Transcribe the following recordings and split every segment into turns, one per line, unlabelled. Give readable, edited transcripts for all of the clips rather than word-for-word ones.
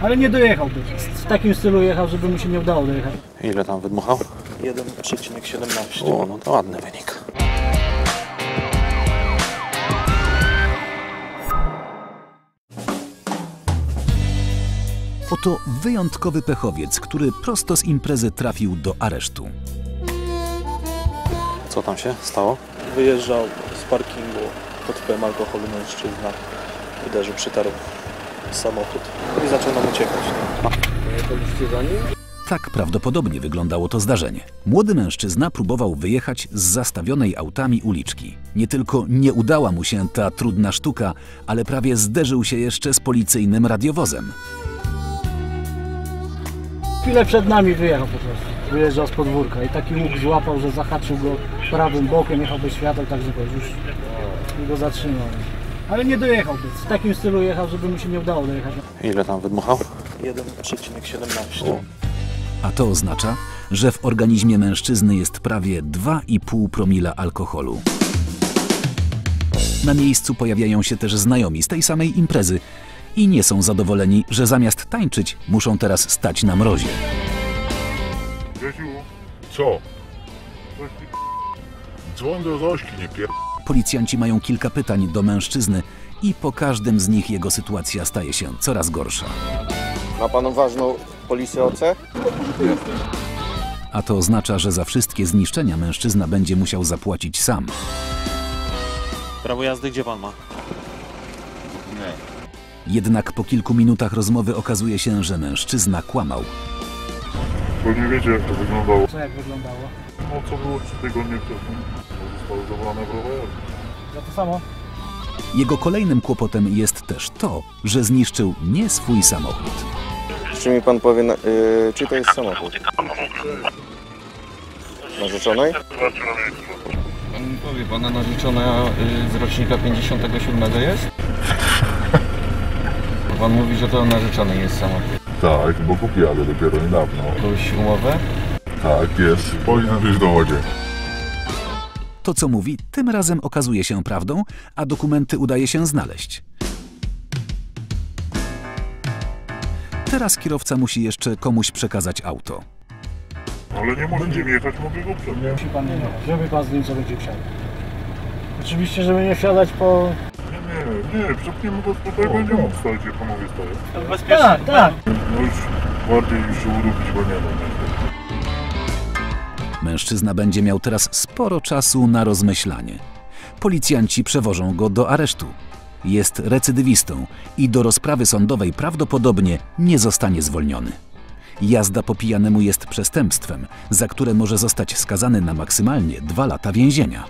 Ale nie dojechałby. W takim stylu jechał, żeby mu się nie udało dojechać.
Ile tam wydmuchał?
1,17.
O, no to ładny wynik.
Oto wyjątkowy pechowiec, który prosto z imprezy trafił do aresztu.
Co tam się stało?
Wyjeżdżał z parkingu pod wpływem alkoholu mężczyzna. Uderzył, przytarł samochód i zaczął nam uciekać.
Byliście za nim?
Tak prawdopodobnie wyglądało to zdarzenie. Młody mężczyzna próbował wyjechać z zastawionej autami uliczki. Nie tylko nie udała mu się ta trudna sztuka, ale prawie zderzył się jeszcze z policyjnym radiowozem.
Chwilę przed nami wyjechał po prostu. Wyjeżdżał z podwórka i taki łuk złapał, że zahaczył go prawym bokiem, jechał bez świateł, także już go zatrzymał. Ale nie dojechałby. W takim stylu jechał, żeby mu się nie udało dojechać.
Ile tam wydmuchał?
1,17.
A to oznacza, że w organizmie mężczyzny jest prawie 2,5 promila alkoholu. Na miejscu pojawiają się też znajomi z tej samej imprezy i nie są zadowoleni, że zamiast tańczyć muszą teraz stać na mrozie.
Grzesiu, co? Dzwoń do Zośki, nie pier...
Policjanci mają kilka pytań do mężczyzny i po każdym z nich jego sytuacja staje się coraz gorsza.
Ma pan ważną polisę OC?
A to oznacza, że za wszystkie zniszczenia mężczyzna będzie musiał zapłacić sam.
Prawo jazdy gdzie pan ma?
Jednak po kilku minutach rozmowy okazuje się, że mężczyzna kłamał.
Bo nie wiecie, jak to wyglądało.
Co jak wyglądało?
No co było 3 tygodnie wcześniej? Zostało zabrane prawo jazdy.
Za to samo?
Jego kolejnym kłopotem jest też to, że zniszczył nie swój samochód.
Czy mi pan powie, czy to jest samochód? Narzeczonej?
Pan mi powie, pana narzeczona z rocznika 57 jest? Pan mówi, że to narzeczony jest samochód.
Tak, bo kupiłem dopiero niedawno.
Jakąś umowę?
Tak, jest. Powinien być w dowodzie.
To, co mówi, tym razem okazuje się prawdą, a dokumenty udaje się znaleźć. Teraz kierowca musi jeszcze komuś przekazać auto.
Ale nie może nim jechać, mogę go przewieźć.
Musi pan nie jechać. Żeby pan z nim co będzie wsiadał. Oczywiście, żeby nie wsiadać po...
Nie, przepniemy go tutaj, będzie mógł stać, gdzie panowie stoją.
Tak, tak.
No już bardziej już się urubić, bo nie wiem.
Mężczyzna będzie miał teraz sporo czasu na rozmyślanie. Policjanci przewożą go do aresztu. Jest recydywistą i do rozprawy sądowej prawdopodobnie nie zostanie zwolniony. Jazda po pijanemu jest przestępstwem, za które może zostać skazany na maksymalnie 2 lata więzienia.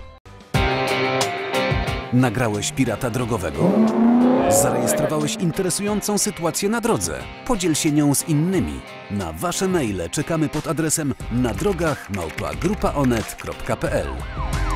Nagrałeś pirata drogowego? Zarejestrowałeś interesującą sytuację na drodze? Podziel się nią z innymi. Na wasze maile czekamy pod adresem nadrogach@grupaonet.pl.